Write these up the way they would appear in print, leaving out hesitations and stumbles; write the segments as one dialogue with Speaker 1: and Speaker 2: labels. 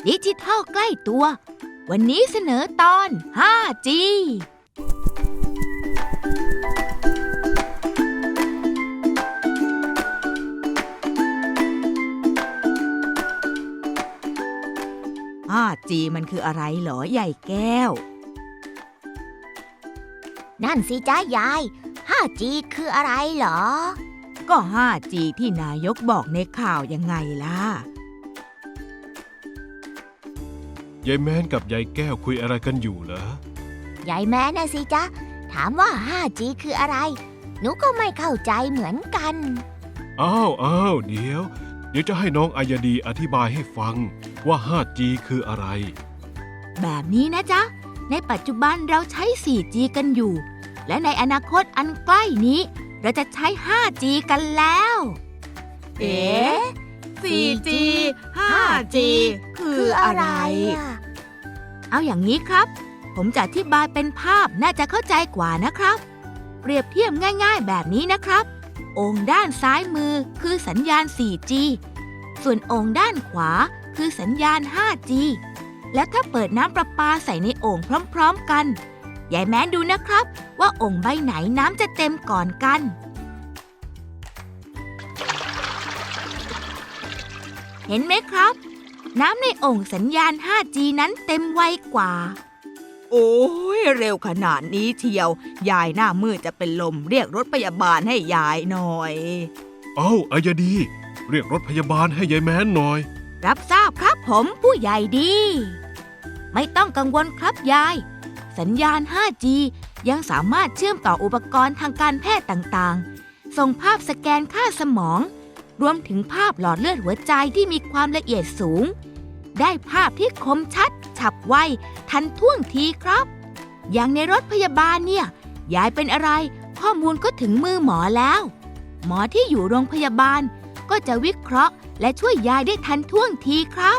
Speaker 1: ดิจิทัลใกล้ตัว วันนี้เสนอตอน 5G
Speaker 2: 5G มันคืออะไรเหรอใหญ่แก้ว
Speaker 3: นั่นสิจ้ายาย 5G คืออะไรเหรอ
Speaker 2: ก็ 5G ที่นายกบอกในข่าวยังไงล่ะ
Speaker 4: ยายแม้นกับยายแก้วคุยอะไรกันอยู่เหรอย
Speaker 3: ายแม่น่ะสิจ๊ะ ถามว่า 5G คืออะไร หนูก็ไม่เข้าใจเหมือนกัน
Speaker 4: อ้าวเดี๋ยวจะให้น้องอายดีอธิบายให้ฟังว่า 5G คืออะไร
Speaker 1: แบบนี้นะจ๊ะ ในปัจจุบันเราใช้ 4G กันอยู่ และในอนาคตอันใกล้นี้ เราจะใช้ 5G กันแล้ว
Speaker 2: เอ๊ะ 4G 5G คืออะไร
Speaker 1: เอาอย่างนี้ครับ ผมจะอธิบายเป็นภาพน่าจะเข้าใจกว่านะครับ เปรียบเทียบง่ายๆแบบนี้นะครับโอ่งด้านซ้ายมือคือสัญญาณ 4G ส่วนโอ่งด้านขวาคือสัญญาณ 5G และถ้าเปิดน้ำประปาใส่ในโอ่งพร้อมๆกันยายแม้นดูนะครับว่าโอ่งใบไหนน้ำจะเต็มก่อนกันเห็นไหมครับ น้ำในโอ่งสัญญาณ 5G นั้นเต็มไวกว่า
Speaker 2: โอ้ยเร็วขนาดนี้เชียว ยายหน้ามืดจะเป็นลมเรียกรถพยาบาลให้ยายหน่อย
Speaker 4: อายดี เรียกรถพยาบาลให้ยายแม้นหน่อย
Speaker 1: รับทราบครับผมผู้ใหญ่ดี ไม่ต้องกังวลครับยาย สัญญาณ 5G ยังสามารถเชื่อมต่ออุปกรณ์ทางการแพทย์ต่างๆ ส่งภาพสแกนค่าสมอง รวมถึงภาพหลอดเลือดหัวใจที่มีความละเอียดสูง ได้ภาพที่คมชัด ฉับไว ทันท่วงทีครับ อย่างในรถพยาบาลเนี่ย ยายเป็นอะไร ข้อมูลก็ถึงมือหมอแล้ว หมอที่อยู่โรงพยาบาลก็จะวิเคราะห์และช่วยยายได้ทันท่วงทีครับ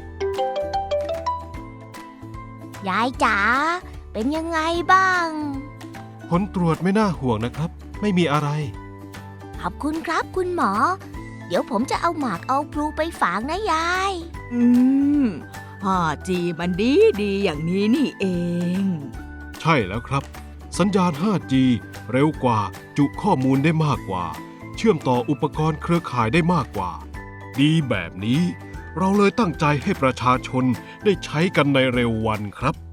Speaker 3: ยายจ๋า เป็นยังไงบ้าง
Speaker 4: ผลตรวจไม่น่าห่วงนะครับ ไม่มีอะไร
Speaker 3: ขอบคุณครับคุณหมอ เดี๋ยวผมจะเอาหมากเอาพลูไปฝากนะยาย
Speaker 2: 5G มันดีอย่างนี้นี่เอง
Speaker 4: ใช่แล้วครับ สัญญาณ 5G เร็วกว่าจุข้อมูลได้มากกว่า เชื่อมต่ออุปกรณ์เครือข่ายได้มากกว่า ดีแบบนี้ เราเลยตั้งใจให้ประชาชนได้ใช้กันในเร็ววันครับ